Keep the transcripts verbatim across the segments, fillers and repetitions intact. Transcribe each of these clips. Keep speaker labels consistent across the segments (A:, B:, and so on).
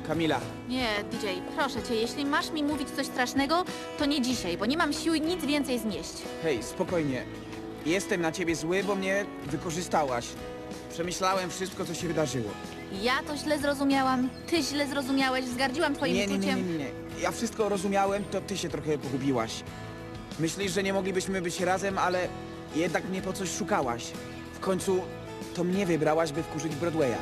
A: Kamila,
B: Nie, D J, proszę cię, jeśli masz mi mówić coś strasznego, to nie dzisiaj, bo nie mam siły nic więcej znieść.
A: hej, spokojnie. Jestem na ciebie zły, bo mnie wykorzystałaś. Przemyślałem wszystko, co się wydarzyło.
B: Ja to źle zrozumiałam, ty źle zrozumiałeś, wzgardziłam twoim
A: Nie, nie, nie,
B: uczuciem.
A: nie, nie. Ja wszystko rozumiałem, to ty się trochę pogubiłaś. Myślisz, że nie moglibyśmy być razem, ale jednak mnie po coś szukałaś. W końcu to mnie wybrałaś, by wkurzyć Broadwaya.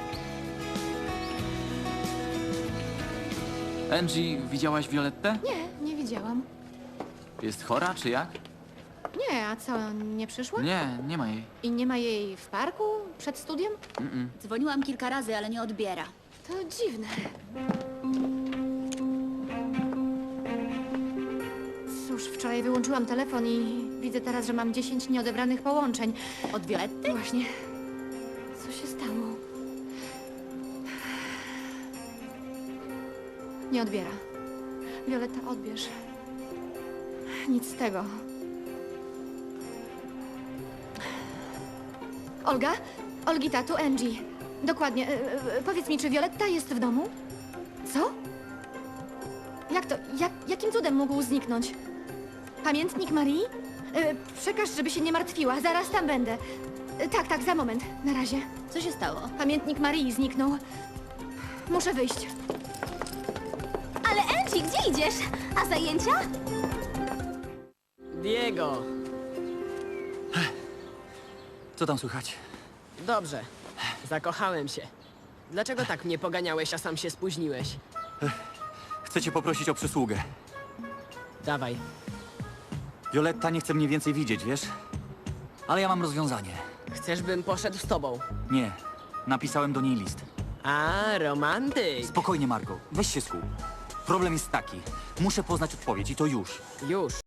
C: Angie, widziałaś Violettę?
D: Nie, nie widziałam.
C: Jest chora, czy jak?
D: Nie, a co, nie przyszła?
C: Nie, nie ma jej.
D: I nie ma jej w parku? Przed studiem?
E: Dzwoniłam kilka razy, ale nie odbiera.
D: To dziwne. Cóż, wczoraj wyłączyłam telefon i widzę teraz, że mam dziesięć nieodebranych połączeń.
E: Od Violetty?
D: Właśnie. Co się stało? Nie odbiera. Violetta, odbierz. Nic z tego. Olga? Olgita, tu Angie. Dokładnie. E, e, powiedz mi, czy Violetta jest w domu? Co? Jak to? Jak, jakim cudem mógł zniknąć? Pamiętnik Marii? E, przekaż, żeby się nie martwiła. Zaraz tam będę. E, tak, tak, za moment. Na razie.
E: Co się stało?
D: Pamiętnik Marii zniknął. Muszę wyjść.
E: Ale Angie, gdzie idziesz? A zajęcia?
F: Diego,
C: Co tam słychać?
F: dobrze. Zakochałem się. Dlaczego tak mnie poganiałeś, a sam się spóźniłeś?
C: Chcę cię poprosić o przysługę.
F: Dawaj.
C: Violetta nie chce mnie więcej widzieć, wiesz? Ale ja mam rozwiązanie.
F: Chcesz, bym poszedł z tobą?
C: Nie. Napisałem do niej list.
F: A, romantyk.
C: Spokojnie, Margo. Weź się skup. Problem jest taki. Muszę poznać odpowiedź i to już.
F: Już.